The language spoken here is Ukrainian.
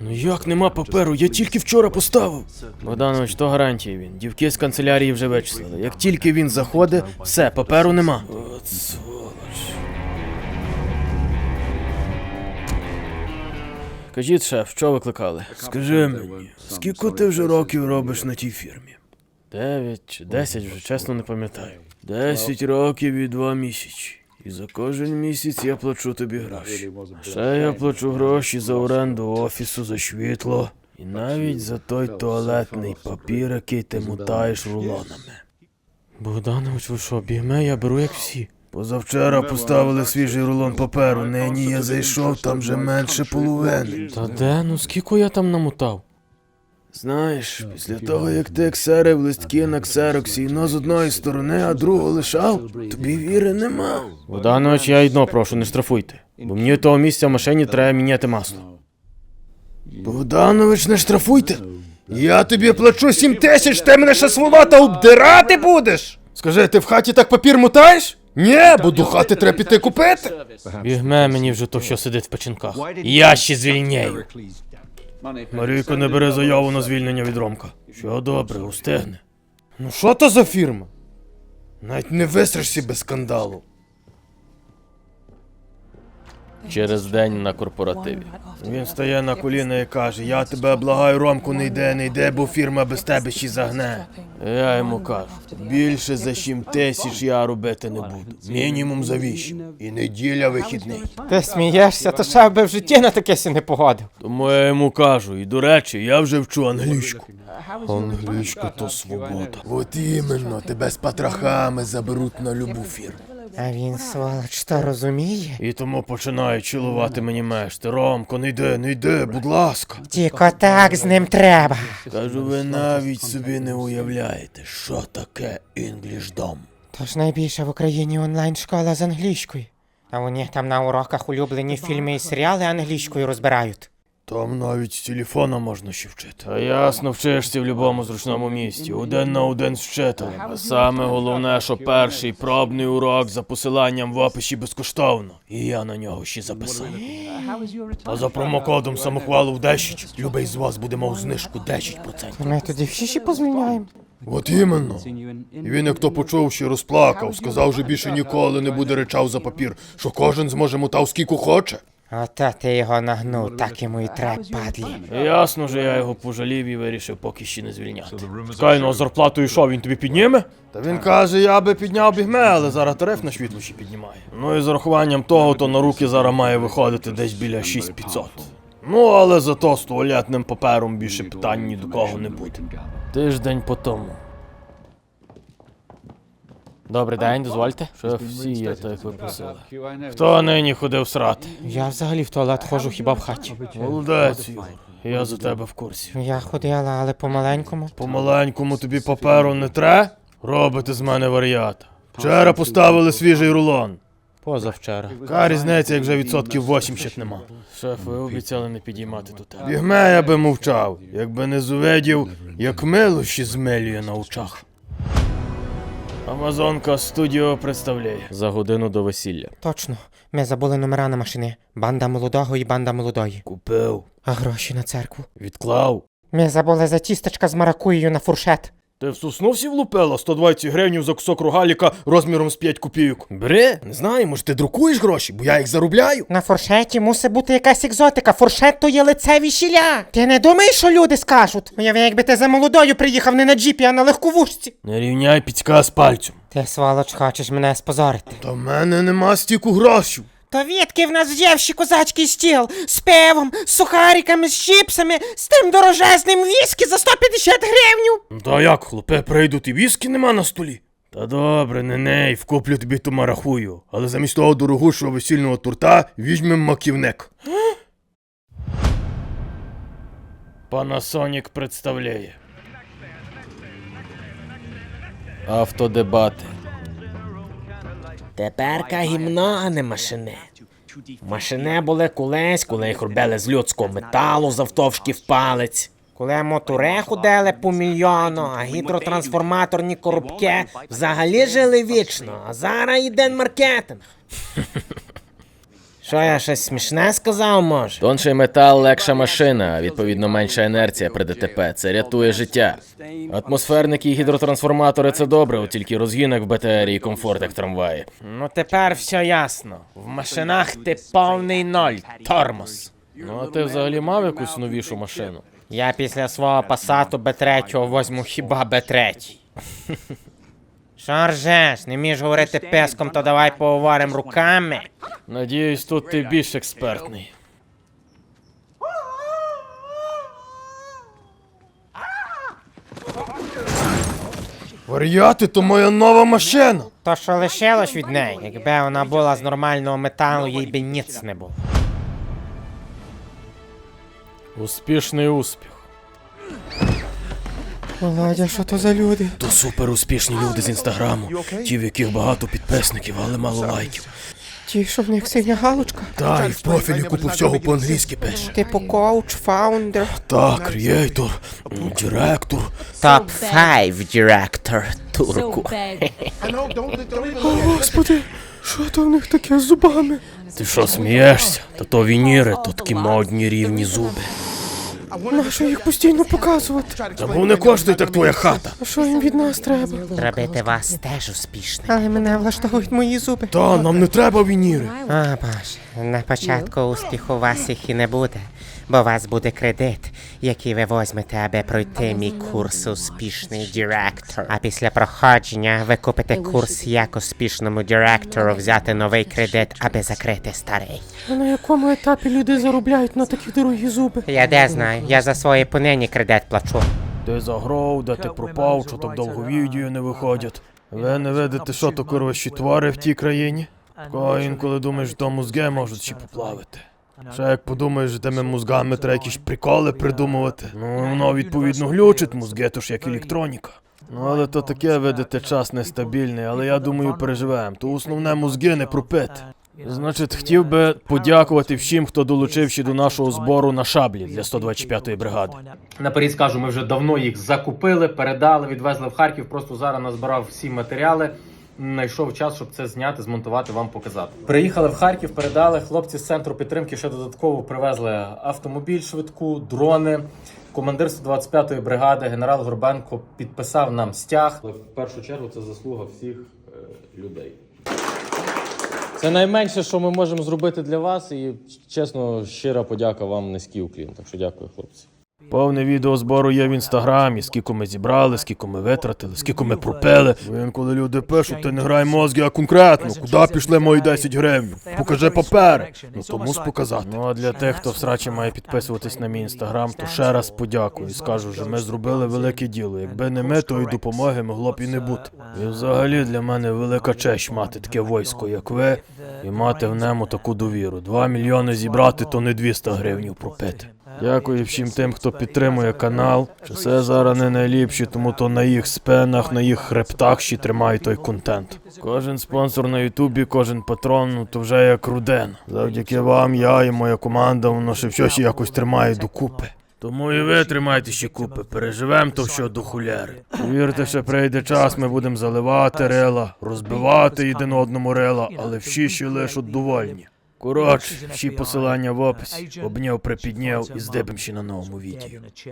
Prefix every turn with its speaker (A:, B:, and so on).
A: Ну як нема паперу? Я тільки вчора поставив. Богданович, то гарантія він. Дівки з канцелярії вже вичислили. Як тільки він заходить, все, паперу нема. От сволоч. Кажіть, шеф, що викликали? Скажи мені, скільки ти вже років робиш на тій фірмі? 9 чи 10, вже чесно не пам'ятаю. 10 років і 2 місяці. І за кожен місяць я плачу тобі гроші. Ще я плачу гроші за оренду офісу, за світло. І навіть за той туалетний папір, який ти мотаєш рулонами. Богданович, ви що, бігме, я беру як всі. Позавчора поставили свіжий рулон паперу, нині я зайшов, там вже менше половини. Та де? Ну скільки я там намотав? Знаєш, після того, як ти ксерив листки на ксероксі, но з одної сторони, а другу лишав, тобі віри нема. Богданович, я одно прошу, не штрафуйте. Бо мені того місця в машині треба міняти масло. Богданович, не штрафуйте. Я тобі плачу 7 тисяч, ти мене ще сволота обдирати будеш? Скажи, ти в хаті так папір мотаєш? Ні, бо до хати треба піти купити. Бігме мені вже то, що сидить в печінках. Я ще звільняю. Марійко не бере заяву на звільнення від Ромка. Що добре, устигне. Ну що то за фірма? Навіть не вистрашся без скандалу. Через день на корпоративі. Він стає на коліна і каже: я тебе благаю, Ромку, не йди, бо фірма без тебе ще загне. Я йому кажу: більше за 7 тисяч я робити не буду. Мінімум за 8. І неділя вихідний.
B: Ти смієшся, то ще би в житті на таке сі не погодив.
A: Тому я йому кажу, і до речі, я вже вчу англійську. Англійська то свобода. От іменно, тебе з патрахами заберуть на любу фірму.
B: А він, сволоч, то розуміє?
A: І тому починає чилувати мені мешти. Ромко, не йди, будь ласка.
B: Тільки так з ним треба.
A: Кажу, ви навіть собі не уявляєте, що таке інглішдом.
B: Тож найбільша в Україні онлайн-школа з англійської. А у них там на уроках улюблені фільми і серіали англійською розбирають.
A: Там навіть з телефона можна ще вчити. А ясно, вчишся в будь-якому зручному місці, один на один з вчителем. А саме головне, що перший пробний урок за посиланням в описі безкоштовно. І я на нього ще записав. А за промокодом самохвалу в 10, любий з вас буде мав знижку 10%.
B: Ми тоді всі ще позвільняємо.
A: От іменно. І він, як то почув, ще розплакав, сказав, що більше ніколи не буде речав за папір, що кожен зможе мотав скільки хоче.
B: Ото ти його нагнув, так йому і треба, падлі.
A: Ясно ж, я його пожалів і вирішив поки ще не звільняти. Чекай, ну а зарплату і що, він тобі підніме? Та він каже, я би підняв бігме, але зараз тариф на світло ще піднімає. Ну і з урахуванном того, то на руки зараз має виходити десь біля 6500. Ну, але зато з туалетним папером більше питань ні до кого не буде. Тиждень по тому. Добрий день, дозвольте. Шеф, всі є, так як ви просили. Хто нині ходив срати?
B: Я взагалі в туалет ходжу хіба в хаті.
A: Молодець, Ігор. Я за тебе в курсі.
B: Я ходила, але по-маленькому.
A: По-маленькому тобі паперу не тре? Робите з мене варіата. Вчора поставили свіжий рулон.
B: Позавчора.
A: Яка різниця, як вже відсотків 80 нема. Шеф, ви обіцяли не підіймати до тебе. Бігме я би мовчав, якби не зувидів, як милощі змилює на очах. Амазонка Студіо представляє. За годину до весілля.
B: Точно. Ми забули номера на машини. Банда молодого і банда молодої.
A: Купив.
B: А гроші на церкву?
A: Відклав.
B: Ми забули за тістечка з маракуєю на фуршет.
A: Ти в сосну всі влупила? 120 гривень за кусок рогаліка розміром з 5 копійок. Бери, не знаю, може ти друкуєш гроші, бо я їх заробляю.
B: На фуршеті мусить бути якась екзотика. Фуршет то є лице весілля. Ти не думаєш, що люди скажуть? Уяви, якби ти за молодою приїхав не на джіпі, а на легковушці.
A: Не рівняй піцька з пальцем.
B: Ти, сволоч, хочеш мене спозорити.
A: Та в мене нема стільки грошей.
B: То відки в нас взявши козацький стіл з пивом, з сухариками, з чіпсами, з тим дорожезним віскі за 150 гривень.
A: Та як, хлопе, прийдуть і віскі нема на столі? Та добре, не, вкуплю тобі ту марахую, але замість того дорогущого весільного торта візьмем маківник. Panasonic представляє. Автодебати.
B: Теперка гімно, а не машини. Машини були колись, коли їх робили з людського металу завтовшки в палець. Коли мотори ходили по мільйону, а гідротрансформаторні коробки взагалі жили вічно, а зараз йде маркетинг. Що я щось смішне сказав, може?
A: Тонший метал легша машина, а відповідно менша інерція при ДТП. Це рятує життя. Атмосферники і гідротрансформатори це добре, от тільки розгін як в БТРі і комфорт як в трамваї.
B: Ну тепер все ясно. В машинах ти повний ноль, тормоз.
A: Ну а ти взагалі мав якусь новішу машину?
B: Я після свого пасату Б3 возьму хіба Б3. Що ржеш? Не вмієш говорити песком, то давай поговоримо руками.
A: Надіюсь, тут ти більш експертний. Варіати, то моя нова машина!
B: То, що лишилось від неї, якби вона була з нормального металу, їй би ніц не було.
A: Успішний успіх.
B: Володя, що то за люди?
A: То супер успішні люди з інстаграму. Ті, в яких багато підписників, але мало лайків.
B: Ті, що в них синя галочка?
A: Та, і в профілі купу всього по-англійськи пише.
B: Типу коуч, фаундер.
A: Так, креатор, директор.
B: Топ-5 директор турку.
A: Господи, що то в них таке з зубами? Ти що, смієшся? Та то вініри, то такі модні рівні зуби.
B: Нащо їх постійно показувати?
A: Та бо не коштує так твоя хата.
B: А що їм від нас треба? Зробити вас теж успішним. Але мене влаштовують мої зуби.
A: Та, нам не треба вініри.
B: А, боже, на початку успіху у вас їх і не буде, бо у вас буде кредит, який ви возьмете, аби пройти мій курс «Успішний директор». А після проходження ви купите курс «Як успішному директору взяти новий кредит, аби закрити старий».
C: А на якому етапі люди заробляють на такі дорогі зуби?
B: Я де знаю, я за свої понині кредит плачу.
A: Де загров, де ти пропав, що так довго відео не виходять. Ви не видите, що то коротші твари в тій країні? Кого інколи думаєш, що мозги можуть ще поплавити. Ще як подумаєш, що тими мозгами треба якісь приколи придумувати. Ну, воно відповідно глючить, мозги то ж як електроніка. Ну, але то таке, видите, час нестабільний, але я думаю, переживемо. То основне мозги не пропити. Значить, хотів би подякувати всім, хто долучився до нашого збору на шаблі для 125-ї бригади. Наперед скажу, ми вже давно їх закупили, передали, відвезли в Харків, просто зараз назбирав всі матеріали. Знайшов час, щоб це зняти, змонтувати, вам показати. Приїхали в Харків, передали, хлопці з центру підтримки ще додатково привезли автомобіль швидку, дрони. Командир 125-ї бригади, генерал Горбенко, підписав нам стяг. Але в першу чергу це заслуга всіх людей. Це найменше, що ми можемо зробити для вас, і, чесно, щира подяка вам, низький уклін. Так що дякую, хлопці. Повне відео збору є в інстаграмі, скільки ми зібрали, скільки ми витратили, скільки ми пропили. Коли люди пишуть, ти не грай мозги, а конкретно, куди пішли мої 10 гривень? Покажи папери. Ну то мус показати. Ну а для тих, хто в срачі має підписуватись на мій інстаграм, то ще раз подякую і скажу, що ми зробили велике діло. Якби не ми, то і допомоги могло б і не бути. І взагалі для мене велика честь мати таке військо, як ви, і мати в ньому таку довіру. 2 мільйони зібрати, то не 200 гривень пропити. Дякую всім тим, хто підтримує канал. Часи зараз не найліпші, тому то на їх спинах, на їх хребтах ще тримає той контент. Кожен спонсор на Ютубі, кожен патрон, ну то вже як родина. Завдяки вам, я і моя команда, воно ще все ще якось тримає докупи. Тому і ви тримайте ще купи, переживемо то все до хуляри. Вірте, що прийде час, ми будемо заливати рила, розбивати один одному рила, але всі ще лишуть довольні. Коротше, всі посилання в описі. Обняв, припідняв і здибим ще на новому відео.